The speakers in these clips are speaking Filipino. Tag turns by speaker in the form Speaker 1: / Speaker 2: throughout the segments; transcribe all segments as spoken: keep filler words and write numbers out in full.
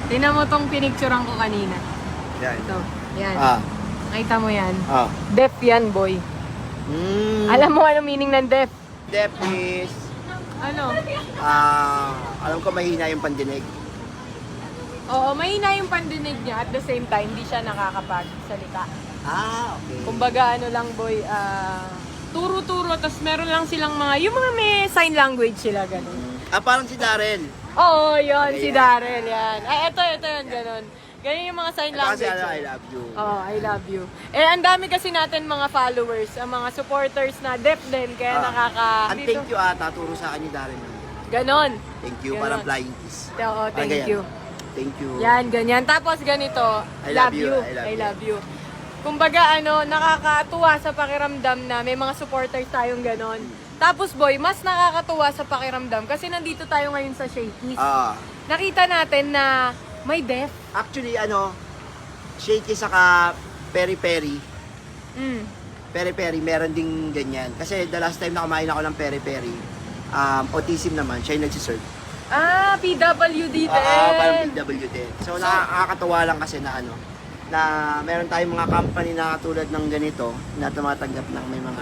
Speaker 1: Tingnan mo tong pinicturean ko kanina.
Speaker 2: Yan.
Speaker 1: Ito. Yan.
Speaker 2: Ah.
Speaker 1: Nakita mo yan?
Speaker 2: Ah.
Speaker 1: Deaf yan, boy.
Speaker 2: Mm.
Speaker 1: Alam mo ano meaning ng deaf?
Speaker 2: Deaf is,
Speaker 1: Ano?
Speaker 2: ah, alam ko mahina yung pandinig.
Speaker 1: Oo, mahina yung pandinig niya. At the same time, hindi siya nakakapagsalita.
Speaker 2: Ah, okay.
Speaker 1: Kumbaga, ano lang, boy, ah... turo-turo, tapos meron lang silang mga, yung mga may sign language sila, ganun.
Speaker 2: Ah, parang si Darren.
Speaker 1: Oo, yun,
Speaker 2: Okay,
Speaker 1: si
Speaker 2: yan.
Speaker 1: Darrell, yan. Ay, ito, ito yun, ganun. Ganyan yung mga sign
Speaker 2: Ito kasi
Speaker 1: language.
Speaker 2: ano, I
Speaker 1: eh.
Speaker 2: love you.
Speaker 1: Oo, I love you. Eh, ang dami kasi natin mga followers, ang mga supporters na deaf din, kaya
Speaker 2: Ah.
Speaker 1: nakaka...
Speaker 2: Ang thank you ata, turo sa akin ni Darren.
Speaker 1: Ganon.
Speaker 2: Thank you,
Speaker 1: Ganon.
Speaker 2: parang flying kiss.
Speaker 1: Oo,
Speaker 2: Parang
Speaker 1: thank
Speaker 2: ganyan.
Speaker 1: you.
Speaker 2: Thank you.
Speaker 1: Yan, ganyan. Tapos ganito,
Speaker 2: I
Speaker 1: love,
Speaker 2: love you,
Speaker 1: you.
Speaker 2: I love
Speaker 1: I
Speaker 2: you.
Speaker 1: love you. Kumbaga, ano, nakakatuwa sa pakiramdam na may mga supporters tayong ganon. Tapos boy, mas nakakatuwa sa pakiramdam kasi nandito tayo ngayon sa Shakey's.
Speaker 2: Ah.
Speaker 1: Nakita natin na may deaf.
Speaker 2: Actually, ano, shaky saka peri-peri.
Speaker 1: Mm.
Speaker 2: Peri-peri, meron ding ganyan. Kasi the last time na kumain ako ng peri-peri, um, autism naman, siya yung nagsiserve.
Speaker 1: Ah, P W D din.
Speaker 2: Ah, parang P W din. So, nakakatawa lang kasi na ano, na meron tayong mga company na katulad ng ganito na tumatanggap ng may mga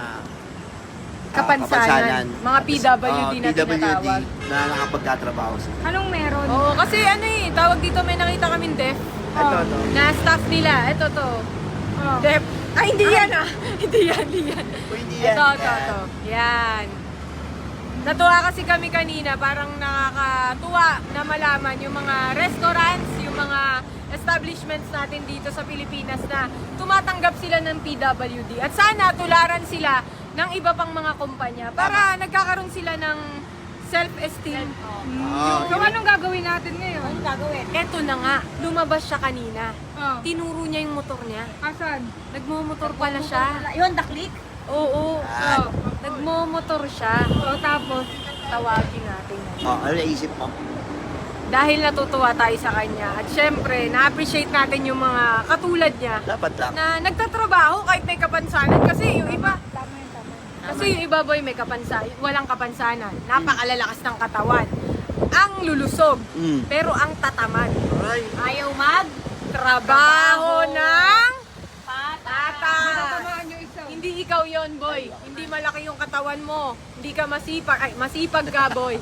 Speaker 2: ah,
Speaker 1: Kapansanan. Mga P W D
Speaker 2: Ah,
Speaker 1: na
Speaker 2: P W D
Speaker 1: tinatawag.
Speaker 2: na nakapagtatrabaho sila.
Speaker 3: Anong meron?
Speaker 1: Oo, kasi ano eh, tawag dito may nakita kaming deaf.
Speaker 2: Ito, to.
Speaker 1: Na staff nila. Ito to.
Speaker 3: Oh.
Speaker 1: Deaf. Ay, hindi yan ah. hindi yan, hindi yan.
Speaker 2: O, hindi yan.
Speaker 1: Ito, ito, ito. Yan. Natuwa kasi kami kanina, parang nakakatuwa na malaman yung mga restaurants, yung mga establishments natin dito sa Pilipinas na tumatanggap sila ng P W D. At sana tularan sila ng iba pang mga kumpanya para nagkakaroon sila ng self-esteem.
Speaker 2: Ah,
Speaker 3: So, anong gagawin natin ngayon? Anong gagawin?
Speaker 1: Eto na nga, lumabas siya kanina.
Speaker 3: Oh.
Speaker 1: Tinuro niya yung motor niya.
Speaker 3: Asan?
Speaker 1: Nagmumotor pala siya.
Speaker 3: Yun, daklik?
Speaker 1: Oo.
Speaker 2: Ah.
Speaker 3: Oh.
Speaker 1: Nagmumotor siya.
Speaker 3: So, tapos?
Speaker 1: Tawagin natin.
Speaker 2: Oh, ano naisip mo?
Speaker 1: Dahil natutuwa tayo sa kanya. At syempre, na-appreciate natin yung mga katulad niya
Speaker 2: Dapat lang.
Speaker 1: na nagtatrabaho kahit may kapansanan. Kasi yung iba,
Speaker 3: Tama yun, tama.
Speaker 1: kasi yung iba boy may kapansanan, walang kapansanan. Napakalalakas ng katawan. Ang lulusog,
Speaker 2: Mm.
Speaker 1: pero ang tatamad.
Speaker 2: Aray.
Speaker 1: Ayaw mag trabaho ng
Speaker 3: Pata.
Speaker 1: tata.
Speaker 3: Tatamaan yung isa.
Speaker 1: Hindi ikaw yon boy. Hindi malaki yung katawan mo. Hindi ka masipag. Ay, masipag ka, boy.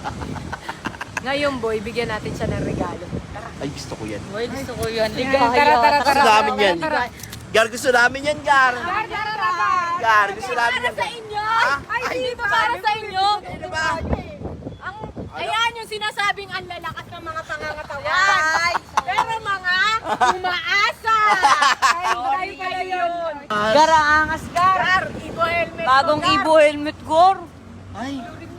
Speaker 1: Ngayon, boy, bigyan natin siya ng regalo.
Speaker 2: Ay, gusto ko yan.
Speaker 1: Boy, gusto ko yun.
Speaker 3: Tara, tara, tara,
Speaker 2: Gusto
Speaker 3: tara.
Speaker 2: namin yan. Gar, gusto namin yan, Gar.
Speaker 3: Tara, tara, tara.
Speaker 2: Gar, gusto namin yan.
Speaker 1: Sa inyo!
Speaker 2: Ah?
Speaker 1: Ay, dito para sa inyo!
Speaker 2: Ano ba?
Speaker 1: Ang, ayan yung sinasabing ang lalakas ng mga pangangatawan. Pero mga umaasa. Ay, tayo pala yun.
Speaker 4: Gar, ang angas, Gar.
Speaker 1: Gar, Ibo helmet.
Speaker 4: Bagong
Speaker 1: ko, Gar.
Speaker 4: Ibo helmet, Gar.
Speaker 2: Ay,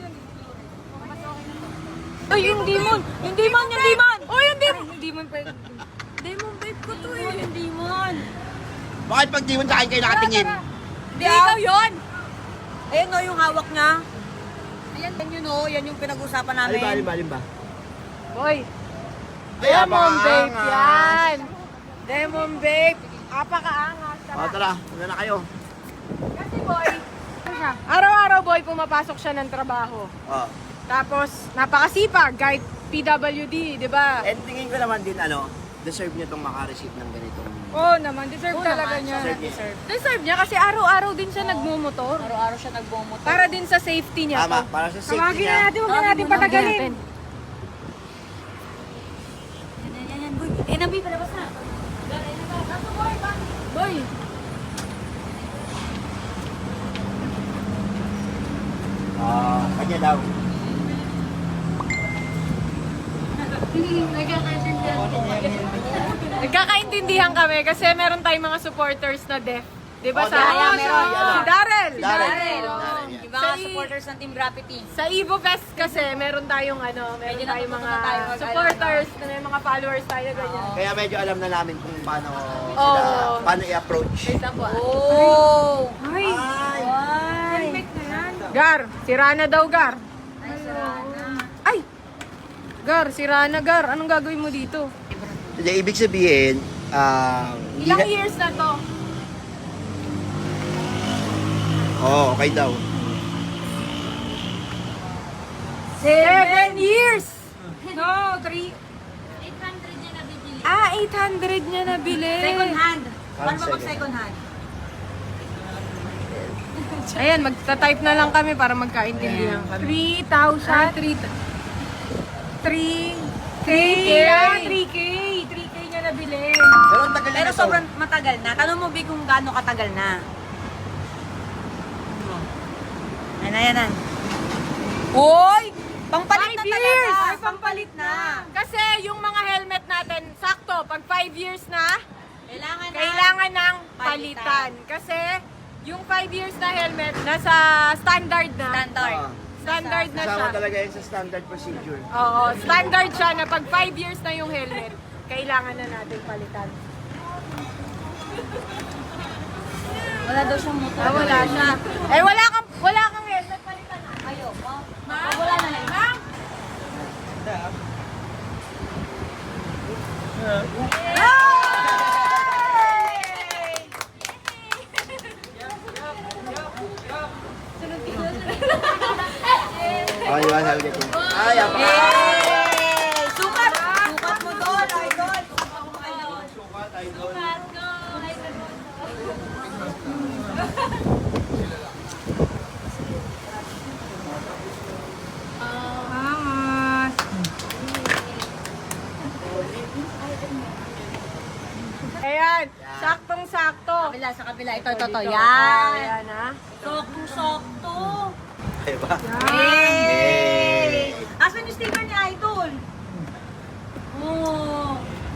Speaker 4: Ay, yung demon. Yung demon, yung demon.
Speaker 1: Oh, yung demon.
Speaker 3: Hindi mo pa.
Speaker 1: Demon babe ko to eh.
Speaker 4: Yung demon.
Speaker 2: bakit pag di mo sa akin kayo nakatingin?
Speaker 1: Hindi ikaw yun.
Speaker 4: Ayun o, yung hawak niya. Ayan, yan yun o. Yan yung pinag-usapan
Speaker 2: Alin
Speaker 4: namin.
Speaker 2: ba, alin ba, alin ba?
Speaker 1: Boy,
Speaker 2: Ay,
Speaker 1: Demon
Speaker 2: apakaangas.
Speaker 1: babe yan. Demon babe. Apakaangas.
Speaker 2: O, tara, una na kayo.
Speaker 1: Kasi boy, araw-araw boy, pumapasok siya ng trabaho.
Speaker 2: Oh.
Speaker 1: Tapos, napakasipag kahit P W D, di ba?
Speaker 2: And tingin ko naman din, ano, deserve niya itong makareceive ng ganitong...
Speaker 3: Oo naman, deserve
Speaker 1: Oo
Speaker 3: talaga
Speaker 1: naman,
Speaker 3: niya.
Speaker 2: Deserve niya.
Speaker 1: Deserve niya kasi araw-araw din siya nagmumotor.
Speaker 4: Araw-araw siya nagbumotor.
Speaker 1: Para din sa safety niya.
Speaker 2: Tama,
Speaker 1: to.
Speaker 2: para sa safety
Speaker 3: Tawagin na
Speaker 2: niya.
Speaker 3: natin, huwag na natin patagalin.
Speaker 4: Yan, yan, yan, yan, boy. Eh, nabi, palabas na.
Speaker 1: Boy,
Speaker 2: Ah, kanya daw.
Speaker 1: nagkakaintindihan kami kasi meron tayong mga supporters na deaf. Di ba
Speaker 2: Oh,
Speaker 1: sa
Speaker 2: Darrell,
Speaker 1: si
Speaker 2: meron.
Speaker 1: Darrell.
Speaker 2: Darrell.
Speaker 4: Darrell.
Speaker 2: Darrell, yan.
Speaker 4: Yung mga
Speaker 1: Sa-
Speaker 4: supporters ng Team Graffiti.
Speaker 1: Sa Evo Fest kasi meron tayong ano, meron
Speaker 4: Medyo
Speaker 1: tayong mga
Speaker 4: natutunan tayo mag-
Speaker 1: supporters, na may mga followers tayo ganyan.
Speaker 2: Kaya medyo alam na namin kung paano
Speaker 1: Oo.
Speaker 2: sila, paano i-approach.
Speaker 1: Wait lang po. ah.
Speaker 4: Oh!
Speaker 3: Ay,
Speaker 2: Ay,
Speaker 3: helmet na yan.
Speaker 1: Gar, si Rana daw, Gar.
Speaker 4: Ay, sarana.
Speaker 1: Ay! Gar, si Rana, Gar. Anong gagawin mo dito?
Speaker 2: Hindi, ibig sabihin, ah, hindi
Speaker 1: Ilang
Speaker 2: na-
Speaker 1: years na to?
Speaker 2: Oo, okay daw.
Speaker 1: Seven years!
Speaker 3: No, three.
Speaker 4: eight hundred niya nabibili.
Speaker 1: eight hundred niya nabili.
Speaker 4: Second hand. Paano ba
Speaker 2: Second
Speaker 4: mag second hand?
Speaker 1: Ayan, magta-type na lang kami para magkaintindihan kami.
Speaker 3: three thousand.
Speaker 1: three three
Speaker 3: three K.
Speaker 1: K.
Speaker 3: three K. three K niya nabili.
Speaker 2: Pero ang tagal
Speaker 4: Pero
Speaker 2: na to.
Speaker 4: sobrang matagal na. Tanong mo, Big, kung gaano katagal na. Ayan na, yan na. Uy! Pampalit na
Speaker 1: Five
Speaker 4: talaga.
Speaker 1: years!
Speaker 4: Ay, pampalit na.
Speaker 1: Kasi yung mga helmet natin, sakto, pag five years na,
Speaker 4: Kailangan na.
Speaker 1: kailangan ng
Speaker 4: Palitan.
Speaker 1: palitan. Kasi yung five years na helmet, nasa standard na.
Speaker 4: Standard.
Speaker 2: Ah,
Speaker 1: Standard na siya.
Speaker 2: kasama talaga yun sa standard procedure.
Speaker 1: Oo, standard siya na pag five years na yung helmet, kailangan na natin palitan.
Speaker 4: Wala daw siyang motor.
Speaker 1: Ah, wala siya. Eh, wala kang, wala kang helmet, palitan na.
Speaker 4: Ayaw.
Speaker 1: Ma'am?
Speaker 4: Wala na lang.
Speaker 1: Ma'am?
Speaker 2: Oh, you want to get in? Ay, apa.
Speaker 4: Yay! Sukat! Sukat mo doon, idol!
Speaker 2: Sukat, idol.
Speaker 3: Angas.
Speaker 1: Ayan, saktong-sakto.
Speaker 4: Kabila, sa kabila. Ito, ito, ito.
Speaker 1: Dito.
Speaker 4: Yan.
Speaker 1: Ayan, ha?
Speaker 4: Soktong-sokto.
Speaker 2: Diba?
Speaker 4: Yay! Asan yung sticker ni Idol? Oh.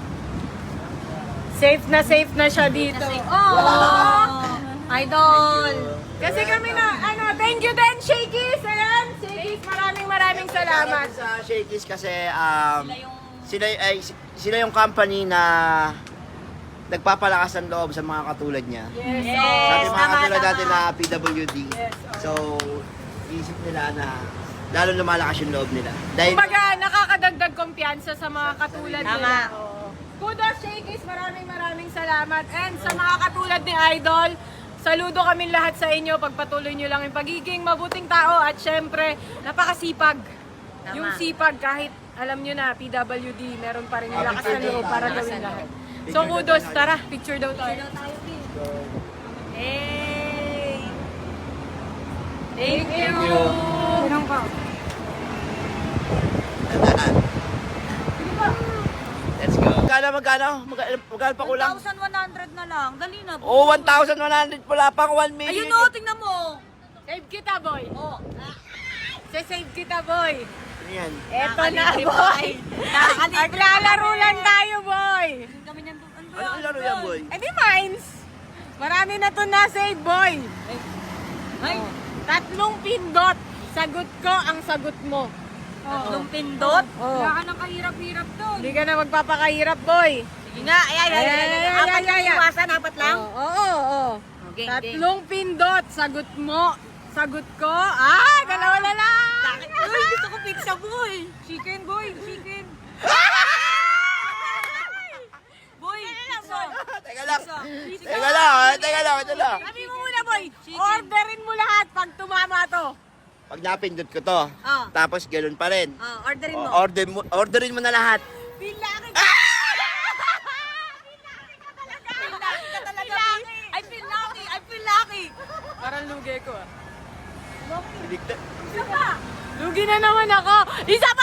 Speaker 1: Safe na safe na siya dito.
Speaker 4: Oh! Idol!
Speaker 1: Kasi kami na, ano, thank you din, Shakey's. Ayan, Shakey's, maraming maraming salamat.
Speaker 2: Sa Shakey's kasi um,
Speaker 4: Sila yung...
Speaker 2: sila ay sila yung company na nagpapalakas ng loob sa mga katulad niya.
Speaker 1: Yes.
Speaker 4: Yes.
Speaker 2: Sa ating mga
Speaker 4: tama,
Speaker 2: katulad
Speaker 4: tama.
Speaker 2: natin na P W D.
Speaker 1: Yes,
Speaker 2: So, isip nila na lalo lumalakas yung loob nila. Dahil
Speaker 1: Kumbaga, nakakadagdag kumpiyansa sa mga katulad
Speaker 4: Tama.
Speaker 1: nila. Oo. Kudos, Shakey's, maraming maraming salamat. And sa mga katulad ni Idol, saludo kami lahat sa inyo. Pagpatuloy nyo lang yung pagiging mabuting tao at syempre, napakasipag.
Speaker 4: Tama.
Speaker 1: Yung sipag, kahit alam nyo na, P W D, meron pa rin yung
Speaker 2: Ah,
Speaker 1: lakas
Speaker 2: picture
Speaker 1: na loob
Speaker 2: daw
Speaker 1: para
Speaker 2: tayo.
Speaker 1: gawin lahat.
Speaker 2: Picture
Speaker 1: So
Speaker 2: daw
Speaker 1: kudos,
Speaker 2: tayo.
Speaker 1: tara, picture daw tayo.
Speaker 4: Hey! Thank you!
Speaker 2: Thank you.
Speaker 3: Ilang pa?
Speaker 2: Let's go. Magkano, magkano? Magkano, magkano pa kulang?
Speaker 4: one thousand one hundred na lang. Dali na.
Speaker 2: Oh, one thousand one hundred pala pang one million.
Speaker 4: Ayun o, tingnan mo.
Speaker 1: Save kita, boy.
Speaker 4: Oh.
Speaker 1: Save kita, boy.
Speaker 2: Ano yan?
Speaker 1: Eto na,
Speaker 4: Nakakalibre
Speaker 1: boy.
Speaker 4: pa. Nakakalibre
Speaker 1: Maglalaro
Speaker 4: kami.
Speaker 1: lang tayo, boy.
Speaker 4: Kami nandun. Ano ba
Speaker 2: Ano
Speaker 4: yan?
Speaker 2: ang laro yan, boy?
Speaker 1: Eh di mines. Marami na to na save, boy.
Speaker 4: Ay,
Speaker 1: Tatlong pindot. Sagot ko ang sagot mo.
Speaker 4: tatlong pindot.
Speaker 1: Oh.
Speaker 3: Wala ka nang kahirap-hirap doon.
Speaker 1: Hindi ka na magpapakahirap, boy.
Speaker 4: Sige nga, ay, ay, ay, ay, ay,
Speaker 1: Ay, ay,
Speaker 4: apat
Speaker 1: ay,
Speaker 4: lang
Speaker 1: ay, ay.
Speaker 4: iwasan, apat lang.
Speaker 1: Oo, oo, oo.
Speaker 4: Okay,
Speaker 1: Tatlong pindot. Sagot mo. Sagot ko. Ah, dalawa na lang.
Speaker 4: Uy, gusto ko pizza, boy.
Speaker 3: Chicken boy, chicken.
Speaker 4: Boy, pizza.
Speaker 2: Teka lang.
Speaker 4: Pizza.
Speaker 2: Teka lang, ah. Teka lang, ito lang.
Speaker 1: Sabi mo muna, boy. Orderin mo lahat pag tumama to.
Speaker 2: Pag napindot ko to,
Speaker 4: Oh.
Speaker 2: tapos ganun pa rin.
Speaker 4: Ah, orderin mo.
Speaker 2: O, order mo, orderin mo na lahat.
Speaker 1: Bilangin
Speaker 2: Ah!
Speaker 1: ka talaga.
Speaker 4: Lucky ka talaga, Pin. I feel lucky, I feel lucky.
Speaker 1: Parang lugi ko ah.
Speaker 2: Biligta.
Speaker 1: Lugi na naman ako. Isa